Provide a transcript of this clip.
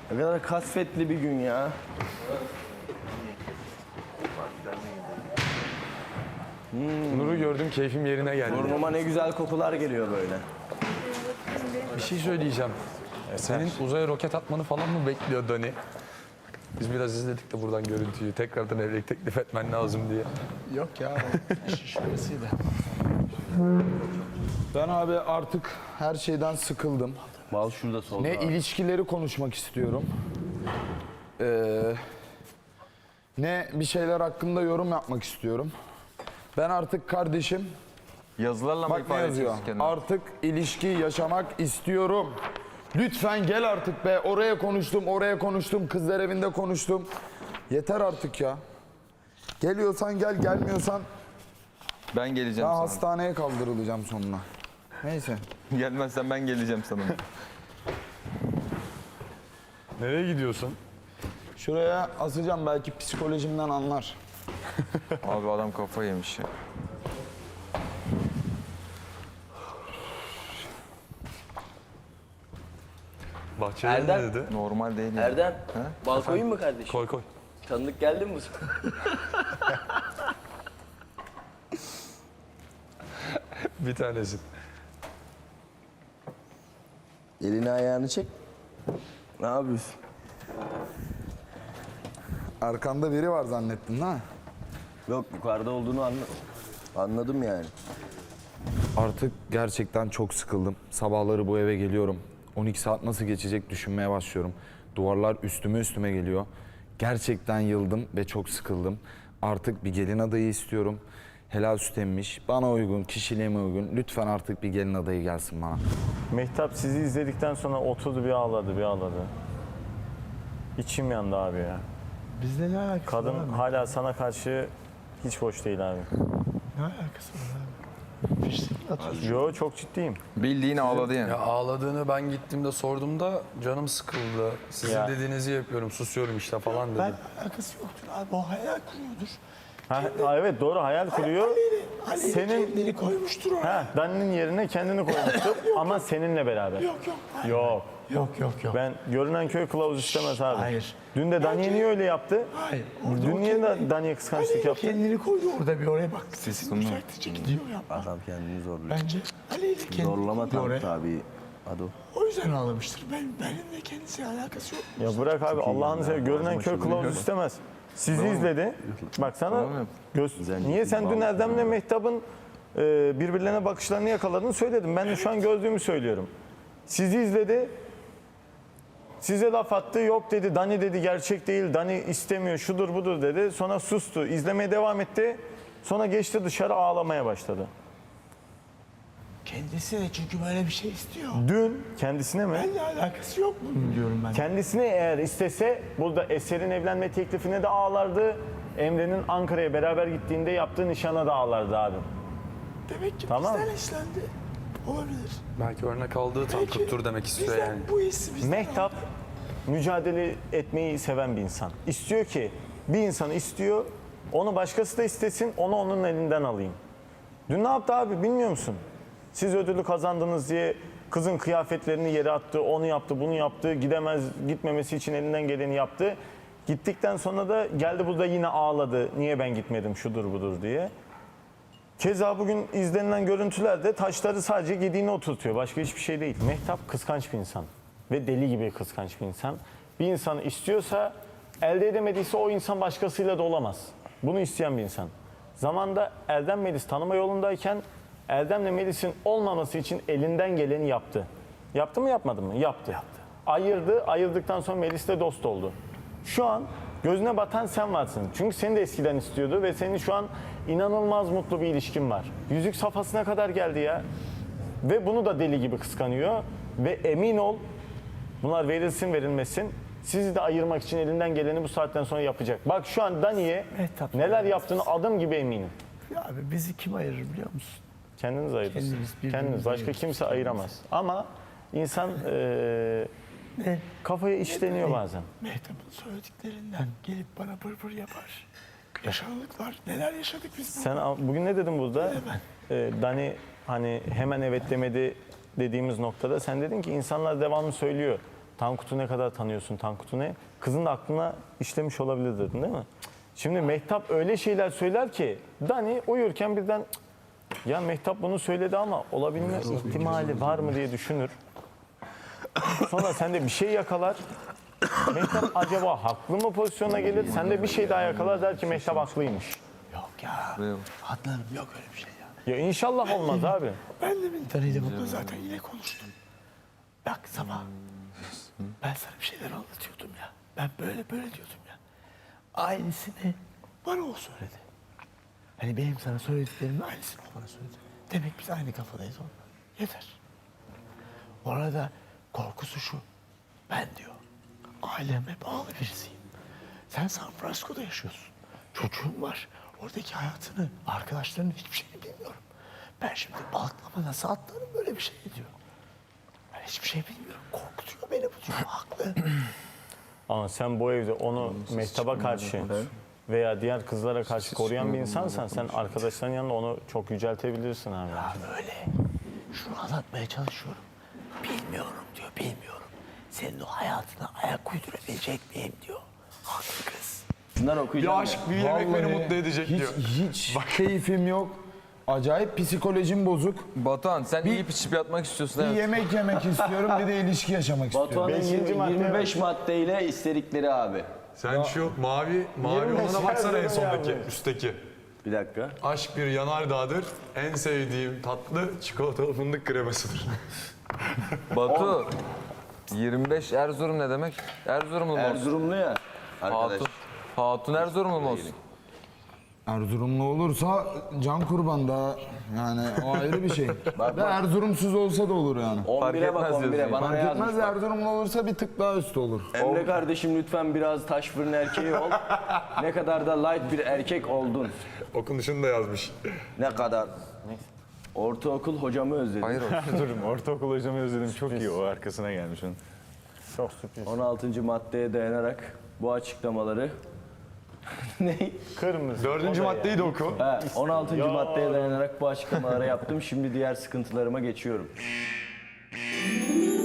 Ne kadar kasvetli bir gün ya. Nur'u gördüm, keyfim yerine geldi. Burnuma ne güzel kokular geliyor böyle. Bir şey söyleyeceğim. Senin uzaya roket atmanı falan mı bekliyor Dani? Biz biraz izledik de buradan görüntüyü. Tekrardan evlilik teklif etmen lazım diye. Yok ya, şurasıydı. Ben abi artık her şeyden sıkıldım. Bal şurada solda. Ne ilişkileri konuşmak istiyorum. Ne bir şeyler hakkında yorum yapmak istiyorum. Ben artık kardeşim, Yazılarla mı bak ne ifade yazıyor? ediyorsun kendini? Artık ilişki yaşamak istiyorum. Lütfen gel artık be. Oraya konuştum, oraya konuştum. Kızlar evinde konuştum. Yeter artık ya. Geliyorsan gel, gelmiyorsan Ben geleceğim ben sana. hastaneye kaldırılacağım sonuna. Neyse. Gelmezsen ben geleceğim sana. Nereye gidiyorsun? Şuraya asacağım, belki psikolojimden anlar. Abi adam kafa yemiş ya. Bahçede Erdem. ne dedi? Normal değil ya. Erdem, bal koyayım mı kardeşim? Koy koy. Tanıdık geldi mi bu sana? Bir tanesi. Elini ayağını çek. Ne yapıyorsun? Arkanda biri var zannettin ha? Yok, yukarıda olduğunu anladım yani. Artık gerçekten çok sıkıldım. Sabahları bu eve geliyorum. 12 saat nasıl geçecek düşünmeye başlıyorum. Duvarlar üstüme geliyor. Gerçekten yıldım ve çok sıkıldım. Artık bir gelin adayı istiyorum. Helal süt emmiş, bana uygun, kişiliğime uygun. Lütfen artık bir gelin adayı gelsin bana. Mehtap sizi izledikten sonra oturdu bir ağladı. İçim yandı abi ya. Bizde ne alakası Kadın var abi? hala sana karşı hiç hoş değil abi. Ne alakası var abi? Fiştik atıyorsun. Yo, çok ciddiyim. Bildiğin ağladı yani. Ya ağladığını ben gittiğimde sorduğumda canım sıkıldı. Sizin Ya. dediğinizi yapıyorum, susuyorum işte falan dedi. Ben alakası yoktur abi. O hayal kuruyordur. Ha, evet doğru, hayal kuruyor. Ali Senin- kendini koymuştur oraya. Ha, Dani'nin yerine kendini koymuştur ama seninle beraber. Yok yok. Hayır. Yok. Yok. Ben görünen köy kılavuz istemez abi. Hayır. Dün de Dani'ye niye öyle yaptı? Hayır. Orada Dün o niye kendi- Dani'ye kıskançlık Ali yaptı? kendini koydu orada bir oraya bak. Sesi Sesini sonuna. yükseltici gidiyor yapma. Adam kendini zorluyor. Bence Ali ile kendini Zorlama koydu oraya. tam tabii. Hadi o. O yüzden ağlamıştır. Benimle kendisi alakası yok. Ya bırak abi, Allah'ını seversen, görünen köy kılavuz istemez. Sizi izledi. Bak sana Tamam. niye sen dün Erdem'le Mehtap'ın birbirlerine bakışlarını yakaladın söyledim. Ben de şu an gördüğümü söylüyorum. Sizi izledi. Size laf attı. Yok dedi. Dani dedi gerçek değil. Dani istemiyor. Şudur budur dedi. Sonra sustu. İzlemeye devam etti. Sonra geçti dışarı, ağlamaya başladı. Kendisi de çünkü böyle bir şey istiyor. Dün kendisine mi? Benimle alakası yok bunun diyorum ben. Kendisine eğer istese burada Eser'in evlenme teklifine de ağlardı. Emre'nin Ankara'ya beraber gittiğinde yaptığı nişana da ağlardı abi. Demek ki Tamam. bizden işlendi. Olabilir. Belki örnek aldığı tam Belki tuttur demek istiyor bizden yani. bu hissi bizden Mehtap aldı. mücadele etmeyi seven bir insan. İstiyor ki bir insanı istiyor, onu başkası da istesin, onu onun elinden alayım. Dün ne yaptı abi bilmiyor musun? Siz ödülü kazandınız diye kızın kıyafetlerini yere attı, onu yaptı, bunu yaptı, gitmemesi için elinden geleni yaptı. Gittikten sonra da geldi burada yine ağladı. Niye ben gitmedim şudur budur diye. Keza bugün izlenilen görüntülerde taşları sadece gediğine oturtuyor. Başka hiçbir şey değil. Mehtap kıskanç bir insan. Ve deli gibi kıskanç bir insan. Bir insanı istiyorsa, elde edemediyse o insan başkasıyla da olamaz. Bunu isteyen bir insan. Zamanda Erdem Melis tanıma yolundayken Erdem'le Melis'in olmaması için elinden geleni yaptı. Yaptı mı yapmadı mı? Yaptı. Ayırdı. Ayırdıktan sonra Melis'le dost oldu. Şu an gözüne batan sen varsın. Çünkü seni de eskiden istiyordu ve senin şu an inanılmaz mutlu bir ilişkin var. Yüzük safhasına kadar geldi ya. Ve bunu da deli gibi kıskanıyor. Ve emin ol, bunlar verilsin verilmesin, sizi de ayırmak için elinden geleni bu saatten sonra yapacak. Bak şu an Dani'ye Mehtap neler yaptığını adım gibi eminim. Ya abi bizi kim ayırır biliyor musun? Kendiniz ayırırsınız. Kendimiz, birbirimizi Kendiniz. Başka ayırırız. kimse ayıramaz. Ama insan Ne? kafaya işleniyor bazen. Mehtap'ın söylediklerinden gelip bana pır yapar. Yaşanıklar. Neler yaşadık biz Sen bugün ne dedin burada? Dani hani hemen evet demedi dediğimiz noktada sen dedin ki insanlar devamlı söylüyor. Tankut'u ne kadar tanıyorsun Tankut'u ne? Kızın da aklına işlemiş olabilir dedin değil mi? Şimdi Mehtap öyle şeyler söyler ki Dani uyurken birden "Cık, ya Mehtap bunu söyledi ama olabilme ihtimali var mı diye düşünür. Sonra sende bir şey yakalar. Mehtap acaba haklı mı pozisyona gelir? Sende bir şey daha yakalar der ki Mehtap haklıymış. Yok ya. Buraya bak. Adnan'ım yok öyle bir şey ya. Ya inşallah olmaz abi. Ben de Mintan'ıyla bunu zaten yine konuştum. Bak sabah ben sana bir şeyler anlatıyordum ya. Ben böyle diyordum ya. Aynısını bana o söyledi. Hani benim sana söylediklerimin aynısını o bana söyledi. Demek biz aynı kafadayız onunla. Yeter. Orada korkusu şu. Ben diyor aileme bağlı birisiyim. Sen San Francisco'da yaşıyorsun. Çocuğun var. Oradaki hayatını, arkadaşlarının hiçbir şeyini bilmiyorum. Ben şimdi balıklama nasıl atlarım böyle bir şey diyor. Ben hiçbir şey bilmiyorum. Korkutuyor beni bu diyor. Haklı. Ama sen bu evde onu Mehtap'a karşı veya diğer kızlara karşı koruyan bir insansan sen arkadaşların yanında onu çok yüceltebilirsin abi. Ya böyle. Şunu anlatmaya çalışıyorum. Bilmiyorum diyor, bilmiyorum. Senin o hayatına ayak uydurabilecek miyim diyor. Haklı kız. Bunlar Bir okuyacağım aşk, bir yemek beni mutlu edecek hiç, diyor. Hiç keyfim yok. Acayip psikolojim bozuk. Batuhan sen yiyip içip yatmak istiyorsun. Bir Evet. yemek yemek istiyorum, bir de ilişki yaşamak istiyorum. Batuhan'ın Beşinci madde 25 maddeyle istedikleri abi. Sen şu mavi 25 olana baksana en yazdım sondaki, ya. üstteki. Bir dakika. Aşk bir yanardağdır, en sevdiğim tatlı çikolatalı fındık kremasıdır. Batu 25 Erzurum ne demek? Erzurumlu mu olsun? Erzurumlu ya arkadaş. Hatun. Hatun Erzurumlu mu olsun? Erzurumlu olursa can kurban da yani o ayrı bir şey. Ve Erzurumsuz olsa da olur yani. 11'e bak etmez 11'e diyorsun. bana ne Fark etmez yazmış bak. Erzurumlu olursa bir tık daha üstü olur. Emre kardeşim lütfen biraz taş fırın erkeği ol. Ne kadar da light bir erkek oldun. Okunuşunu da yazmış. Ne kadar. Ortaokul hocamı özledim. Hayır o. Durum ortaokul hocamı özledim çok iyi o arkasına gelmiş onun. Çok sürpriz. 16. maddeye dayanarak bu açıklamaları ne? Kırmızı. 4. o da maddeyi de oku. Ha, 16. maddeye dayanarak bu açıklamaları yaptım. Şimdi diğer sıkıntılarıma geçiyorum.